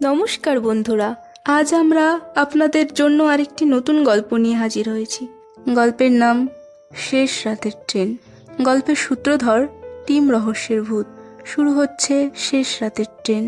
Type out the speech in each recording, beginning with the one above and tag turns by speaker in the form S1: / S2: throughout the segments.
S1: নমস্কার বন্ধুরা, আজ আমরা আপনাদের জন্য আরেকটি নতুন গল্প নিয়ে হাজির হয়েছি। গল্পের নাম শেষ রাতের ট্রেন। গল্পের সূত্রধর টিম রহস্যের ভূত। শুরু হচ্ছে শেষ রাতের ট্রেন।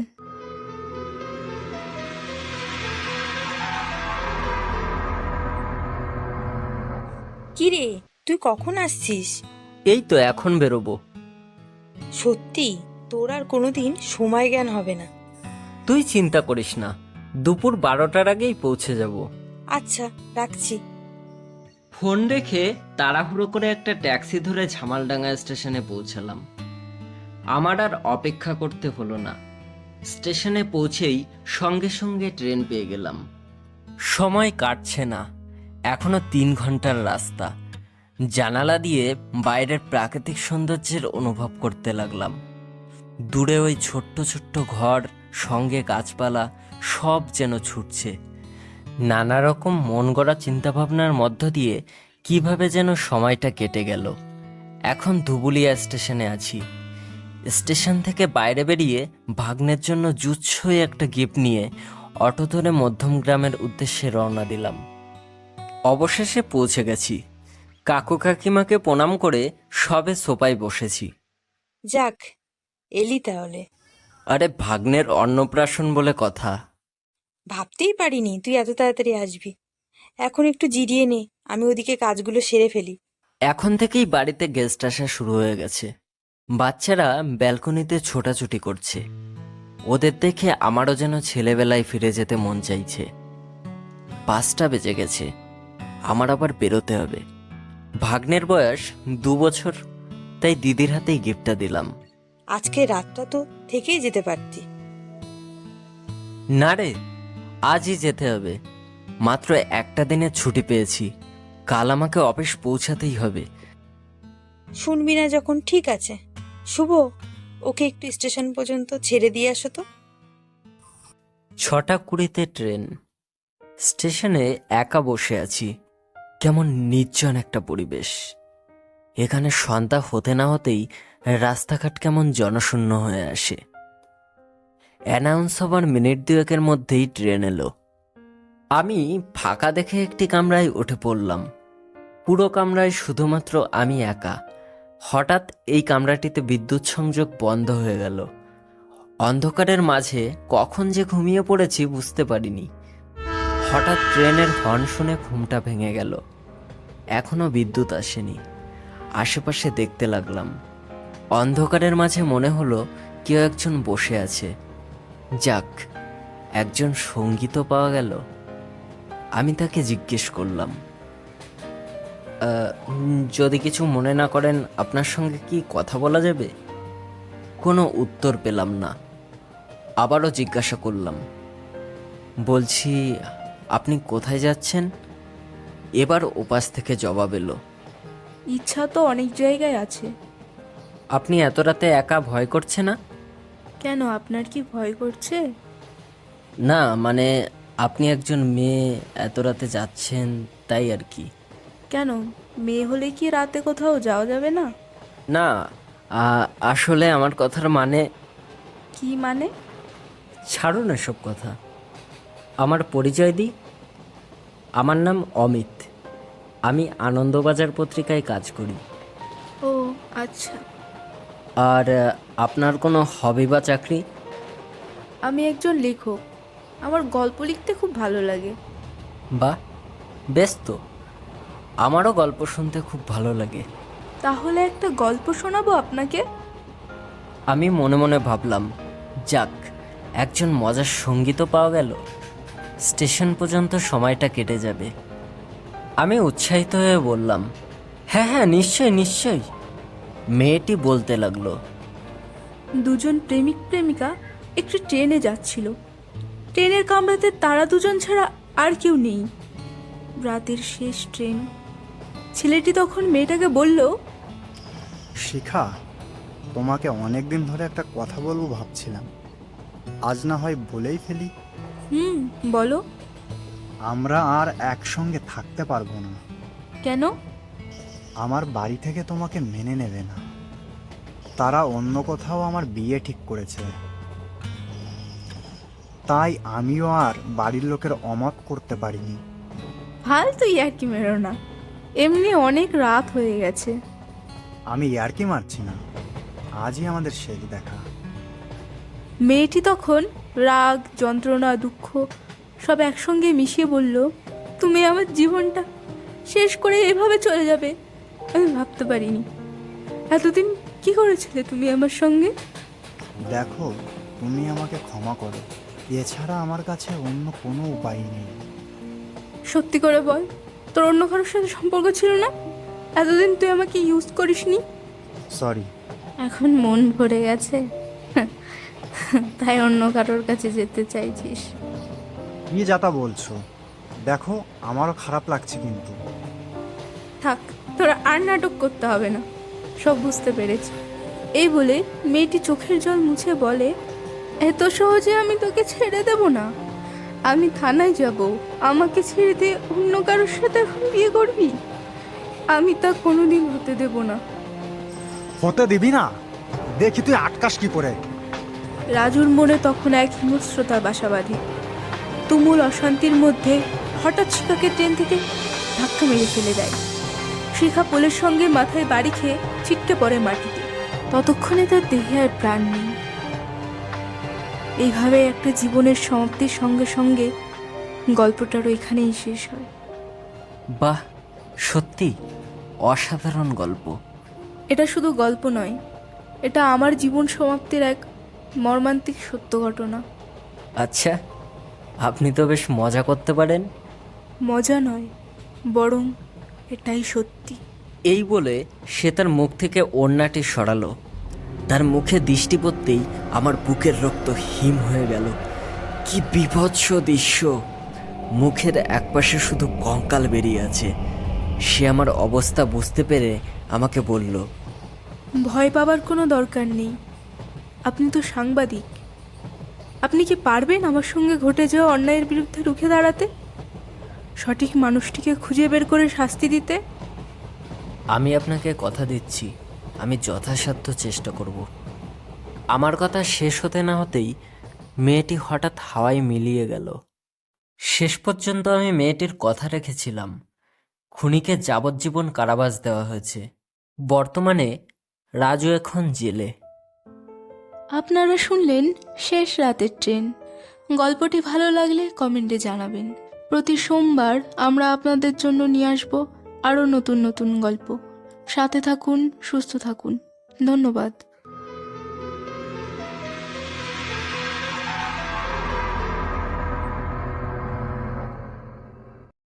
S2: কিরে, তুই কখন আসছিস?
S3: এই তো এখন বেরোবো।
S2: সত্যি তোর আর কোনোদিন সময় জ্ঞান হবে না।
S3: তুই চিন্তা করিস না, দুপুর 12টার আগেই পৌঁছে যাব।
S2: আচ্ছা, রাখছি।
S3: ফোন রেখে তাড়াহুড়ো করে একটা ট্যাক্সি ধরে ঝামালডাঙ্গা স্টেশনে পৌঁছালাম। আমার আর অপেক্ষা করতে হলো না। স্টেশনে পৌঁছেই সঙ্গে সঙ্গে ট্রেন পেয়ে গেলাম। সময় কাটছে না, এখনো 3 ঘন্টার রাস্তা। জানালা দিয়ে বাইরের প্রাকৃতিক সৌন্দর্যের অনুভব করতে লাগলাম। দূরে ওই ছোট্ট ছোট্ট ঘর, সঙ্গে গাছপালা, সব যেন ছুটছে। নানা রকম মন গড়া চিন্তাভাবনার মধ্য দিয়ে কিভাবে যেন সময়টা কেটে গেল। এখন ধুবুলিয়া স্টেশনে আছি। স্টেশন থেকে বাইরে বেরিয়ে ভাগ্নের জন্য জুৎসই একটা গিফট নিয়ে অটো ধরে মধ্যম গ্রামের উদ্দেশ্যে রওনা দিলাম। অবশেষে পৌঁছে গেছি। কাকু কাকিমাকে প্রণাম করে সবে সোফায় বসেছি।
S2: যাক, এলি তাহলে।
S3: আরে ভাগ্নের অন্নপ্রাশন বলে কথা।
S2: ভাবতেই পারিনি তুই এত তাড়াতাড়ি আসবি। এখন একটু জিরিয়ে নে, আমি ওদিকে কাজগুলো সেরে ফেলি।
S3: এখন থেকেই বাড়িতে গেস্ট আসা শুরু হয়ে গেছে। বাচ্চারা ব্যালকনিতে ছোটাছুটি করছে। ওদের দেখে আমারও যেন ছেলেবেলায় ফিরে যেতে মন চাইছে। 5টা বেজে গেছে, আমার আবার বেরোতে হবে। ভাগ্নের বয়স 2 বছর, তাই দিদির হাতেই গিফটটা দিলাম।
S2: আজকে রাতটা তো থেকেই যেতে পারতি।
S3: না রে, আজই যেতে হবে। মাত্র একটা দিনের ছুটি পেয়েছি, কাল আমাকে অফিস পৌঁছাতেই হবে।
S2: শুনবি না যখন ঠিক আছে। শুভ, ওকে একটু স্টেশন পর্যন্ত ছেড়ে দিয়ে আসো তো।
S3: 6টা 20-তে ট্রেন। স্টেশনে একা বসে আছি। কেমন নির্জন একটা পরিবেশ। এখানে সন্ধ্যা হতে না হতেই রাস্তাঘাট কেমন জনশূন্য হয়ে আসে। অ্যানাউন্স হবার মিনিট 2-এর মধ্যেই ট্রেন এলো। আমি ফাঁকা দেখে একটি কামরায় উঠে পড়লাম। পুরো কামরায় শুধুমাত্র আমি একা। হঠাৎ এই কামরাটিতে বিদ্যুৎ সংযোগ বন্ধ হয়ে গেল। অন্ধকারের মাঝে কখন যে ঘুমিয়ে পড়েছি বুঝতে পারিনি। হঠাৎ ট্রেনের হর্ন শুনে ঘুমটা ভেঙে গেল। এখনো বিদ্যুৎ আসেনি। আশেপাশে দেখতে লাগলাম। অন্ধকারের মাঝে মনে হলো কেউ একজন বসে আছে। যাক, একজন সঙ্গী তো পাওয়া গেল। আমি তাকে জিজ্ঞেস করলাম, যদি কিছু মনে না করেন আপনার সঙ্গে কি কথা বলা যাবে? কোনো উত্তর পেলাম না। আবারও জিজ্ঞাসা করলাম, বলছি আপনি কোথায় যাচ্ছেন? এবার ওপাশ থেকে জবাব এলো,
S1: ইচ্ছা তো অনেক জায়গায় আছে।
S3: আপনি এত রাতে একা ভয় করছে না?
S1: কেন, আপনার কি ভয় করছে?
S3: না, মানে আপনি একজন মেয়ে, এত রাতে যাচ্ছেন তাই আর কি।
S1: কেন, মেয়ে হলে কি রাতে কোথাও যাওয়া যাবে না?
S3: না, আসলে আমার কথার মানে।
S1: কি মানে?
S3: ছাড়ুন এসব কথা। আমার পরিচয় দিই। আমার নাম অমিত। আমি আনন্দবাজার পত্রিকায় কাজ করি।
S1: ও আচ্ছা।
S3: আর আপনার কোনো হবি বা চাকরি?
S1: আমি একজন লেখক, আমার গল্প লিখতে খুব ভালো লাগে।
S3: বাহ, বেশ তো। আমারও গল্প শুনতে খুব ভালো লাগে।
S1: তাহলে একটা গল্প শোনাবো আপনাকে।
S3: আমি মনে মনে ভাবলাম, যাক, একজন মজার সঙ্গী তো পাওয়া গেল। স্টেশন পর্যন্ত সময়টা কেটে যাবে। আমি উৎসাহিত হয়ে বললাম, হ্যাঁ হ্যাঁ, নিশ্চয়ই নিশ্চয়ই। মেয়েটি বলতে লাগলো,
S1: দুজন প্রেমিক প্রেমিকা একটি ট্রেনে যাচ্ছিল। ট্রেনের কামরাতে তারা দুজন ছাড়া আর কেউ নেই। রাতের শেষ ট্রেন। ছেলেটি তখন মেয়েটাকে বলল,
S4: শিখা, তোমাকে অনেক দিন ধরে একটা কথা বলবো ভাবছিলাম, আজ না হয় বলেই ফেলি।
S1: বলো।
S4: আমরা আর একসঙ্গে থাকতে পারবো না।
S1: কেন?
S4: আমার বাড়ি থেকে তোমাকে মেনে নেবে না। তারা অন্য কোথাও আমার বিয়ে ঠিক করেছে। তাই আমিও আর বাড়ির লোকের অমত করতে পারিনি।
S1: ফালতু ইয়ার্কি মেরো না, এমনি অনেক রাত হয়ে গেছে।
S4: আমি ইয়ার্কি মারছি না, আজই আমাদের শেষ দেখা।
S1: মেয়েটি তখন রাগ, যন্ত্রণা, দুঃখ সব একসঙ্গে মিশিয়ে বলল, তুমি আমার জীবনটা শেষ করে এভাবে চলে যাবে আমি ভাবতে পারিনি। এতদিন কি করেছিলে তুমি আমার সঙ্গে?
S4: দেখো, তুমি আমাকে ক্ষমা করো, এছাড়া আমার কাছে অন্য কোনো উপায় নেই।
S1: সত্যি করে বল, তোর অন্য কারোর সাথে সম্পর্ক ছিল না? এতদিন তুই আমাকে ইউজ করিসনি?
S4: সরি।
S1: এখন মন ভরে গেছে তাই অন্য কারোর কাছে যেতে চাইছিস?
S4: কি যাতা বলছো? দেখো, আমারও খারাপ লাগছে কিন্তু।
S1: থাক, তোরা আর নাটক করতে হবে না, সব বুঝতে পেরেছি। এই বলে মেয়েটি চোখের জল মুছে বলে, এত সহজে আমি তোকে ছেড়ে দেব না। আমি থানায় যাব, আমাকে ছেড়ে দিয়ে অন্য কারোর সাথে এখন বিয়ে করবি? আমি তা কোনোদিন হতে দেব না।
S4: হতে দিবি না? দেখি তুই আটকাস কি করে।
S1: রাজুর মনে তখন এক হিংস্রতার বাসা বাঁধে। তুমুল অশান্তির মধ্যে হঠাৎ শিখাকে ট্রেন থেকে ধাক্কা মেরে ফেলে দেয়। শিখা পোলের সঙ্গে মাথায় বাড়ি খেয়ে ছিটকে পড়ে মাটিতে। ততক্ষণে তার দেহে আর প্রাণ নেই। এইভাবে একটা জীবনের সমাপ্তির সঙ্গে সঙ্গে গল্পটারও এখানেই শেষ হয়।
S3: বাহ, সত্যি অসাধারণ গল্প।
S1: এটা শুধু গল্প নয়, এটা আমার জীবন সমাপ্তির এক মর্মান্তিক সত্য ঘটনা।
S3: আচ্ছা, আপনি তো বেশ মজা করতে পারেন।
S1: মজা নয়, বরং এটাই সত্যি।
S3: এই বলে সে তার মুখ থেকে ওড়নাটি সরালো। তার মুখে দৃষ্টি পড়তেই আমার বুকের রক্ত হিম হয়ে গেল। কি বীভৎস দৃশ্য! মুখের একপাশে শুধু কঙ্কাল বেরিয়ে আছে। সে আমার অবস্থা বুঝতে পেরে আমাকে বলল,
S1: ভয় পাবার কোনো দরকার নেই, আপনি তো সাংবাদিক। আপনি কি পারবেন আমার সঙ্গে ঘটে যাওয়া অন্যায়ের বিরুদ্ধে রুখে দাঁড়াতে, সঠিক মানুষটিকে খুঁজে বের করে শাস্তি দিতে?
S3: আমি আপনাকে কথা দিচ্ছি, আমি যথাসাধ্য চেষ্টা করব। আমার কথা শেষ হতে না হতেই মেয়েটি হঠাৎ হাওয়ায় মিলিয়ে গেল। শেষ পর্যন্ত আমি মেয়েটির কথা রেখেছিলাম। খুনিকে যাবজ্জীবন কারাবাস দেওয়া হয়েছে। বর্তমানে রাজু এখন জেলে।
S1: আপনারা শুনলেন শেষ রাতের ট্রেন। গল্পটি ভালো লাগলে কমেন্টে জানাবেন। প্রতি সোমবার আমরা আপনাদের জন্য নিয়ে আসব আরও নতুন নতুন গল্প। সাথে থাকুন, সুস্থ থাকুন। ধন্যবাদ।